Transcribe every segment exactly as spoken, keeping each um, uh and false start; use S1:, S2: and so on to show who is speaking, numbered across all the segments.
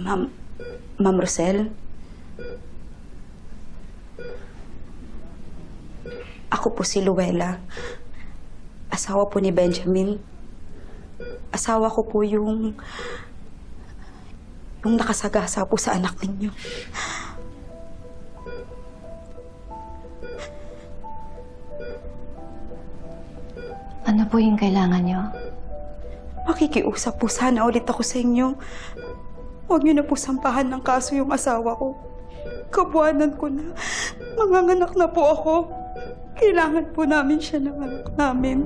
S1: Ma'am... Ma'am Rosel? Ako po si Luella. Asawa po ni Benjamin. Asawa ko po yung... yung nakasagasa po sa anak ninyo.
S2: Ano po yung kailangan nyo?
S1: Makikiusap po sana ulit ako sa inyo. Huwag niyo na po sampahan ng kaso yung asawa ko. Kabuanan ko na. Manganganak na po ako. Kailangan po namin siya ng anak namin.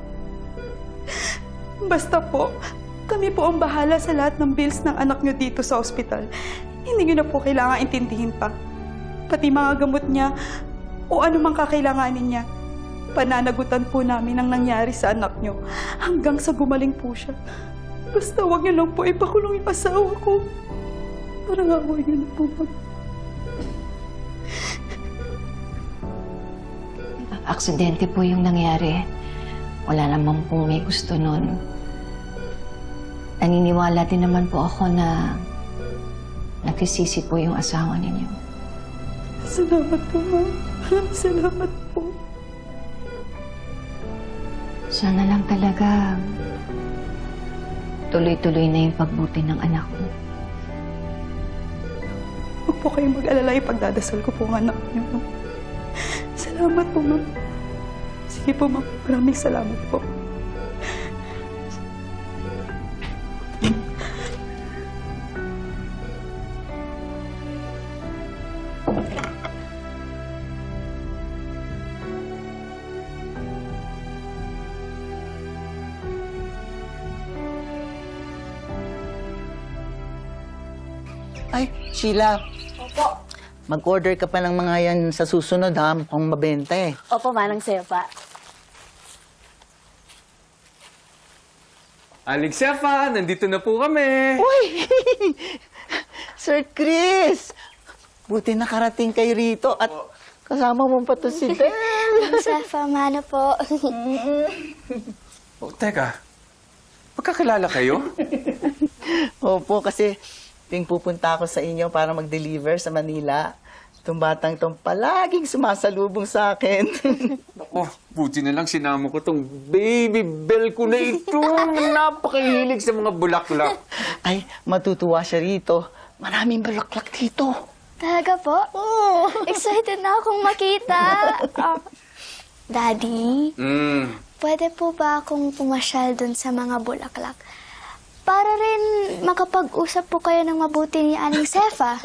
S1: Basta po, kami po ang bahala sa lahat ng bills ng anak niyo dito sa ospital. Hindi niyo na po kailangan intindihin pa. Pati mga gamot niya o anumang kakailanganin niya. Pananagutan po namin ang nangyari sa anak niyo hanggang sa gumaling po siya. Basta huwag niyo lang po ipakulong yung asawa ko. Parang awa niyo na po.
S2: Aksidente po yung nangyari. Wala naman pong may gusto nun. Naniniwala din naman po ako na nagsisisi po yung asawa ninyo.
S1: Salamat po, ma'am. Salamat po.
S2: Sana lang talaga tuloy-tuloy na yung pagbuti ng anak ko.
S1: Huwag po kayong mag-alala, ipagdadasal ko po ang anak niyo. Salamat po, ma'am. Sige po, ma'am. Maraming salamat po.
S3: Ay, Sheila.
S4: Opo.
S3: Mag-order ka pa ng mga yan sa susunod, ha? Mukhang mabenta eh.
S4: Opo, Manang Sefa.
S5: Aling Sefa, nandito na po kami.
S3: Uy! Sir Chris! Buti nakarating kayo rito at kasama mo pa to si Del.
S6: Ma'am Sefa, mano po.
S5: Oh, teka, magkakilala kayo?
S3: Opo, kasi ting pupunta ako sa inyo para mag-deliver sa Manila. Itong batang itong palaging sumasalubong sa akin.
S5: Oh, buti na lang sinama ko tong baby bell ko na ito. Napakahilig sa mga bulaklak.
S3: Ay, matutuwa siya rito. Maraming bulaklak dito.
S6: Talaga po?
S3: Oh.
S6: Excited na akong makita. Ah, Daddy,
S5: Mm.
S6: pwede po ba akong pumasyal dun sa mga bulaklak? Para rin makapag-usap po kayo ng mabuti ni Aling Sefa.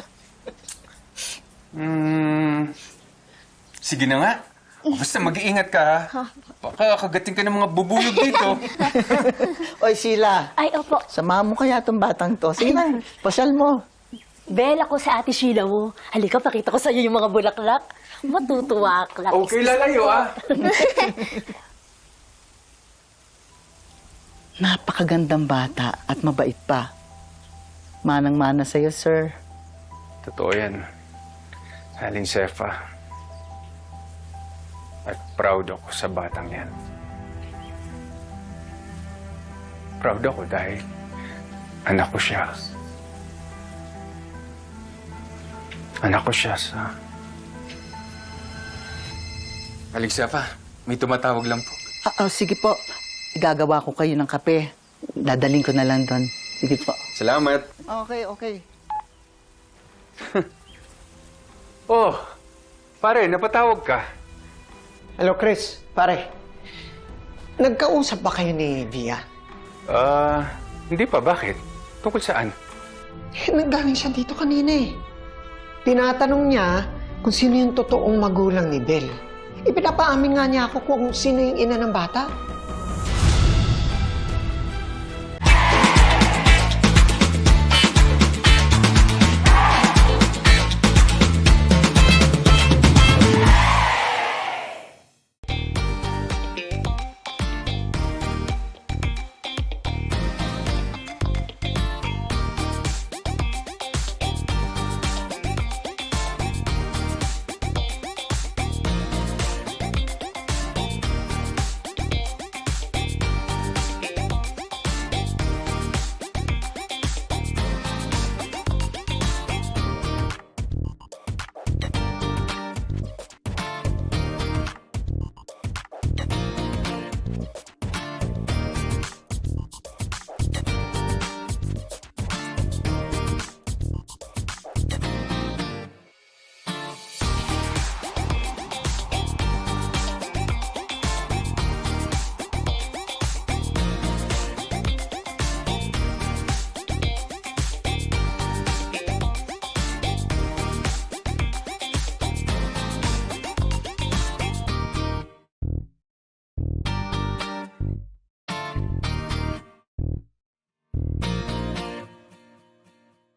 S5: Mm. Sige na nga. Basta mag-iingat ka, ha? Baka kagating ka ng mga bubuyog dito.
S3: Oy, Sheila.
S4: Ay, opo.
S3: Samahan mo kaya itong batang to. Sige na, pasyal mo.
S4: Bel, ako sa ate Sheila mo. Halika, pakita ko sa iyo yung mga bulaklak. Matutuwa ka lang.
S5: Okay, lalayo, ah.
S3: Napakagandang bata at mabait pa. Manang-mana sa'yo, sir.
S5: Totoo yan. Aling Sefa. At proud ako sa batang yan. Proud ako dahil anak ko siya. Anak ko siya sa... Aling Sefa, may tumatawag lang po.
S3: Ah, oh, sige po. Igagawa ko kayo ng kape. Dadaling ko na lang doon. Sige po.
S5: Salamat.
S3: Okay, okay.
S5: Oh, pare, napatawag ka.
S7: Hello, Chris. Pare, nagkausap ba kayo ni Via?
S5: Ah, hindi pa. Bakit? Tungkol saan?
S7: Eh, nanggaling siya dito kanina eh. Tinatanong niya kung sino yung totoong magulang ni Bel. Ipinapaamin nga niya ako kung sino yung ina ng bata.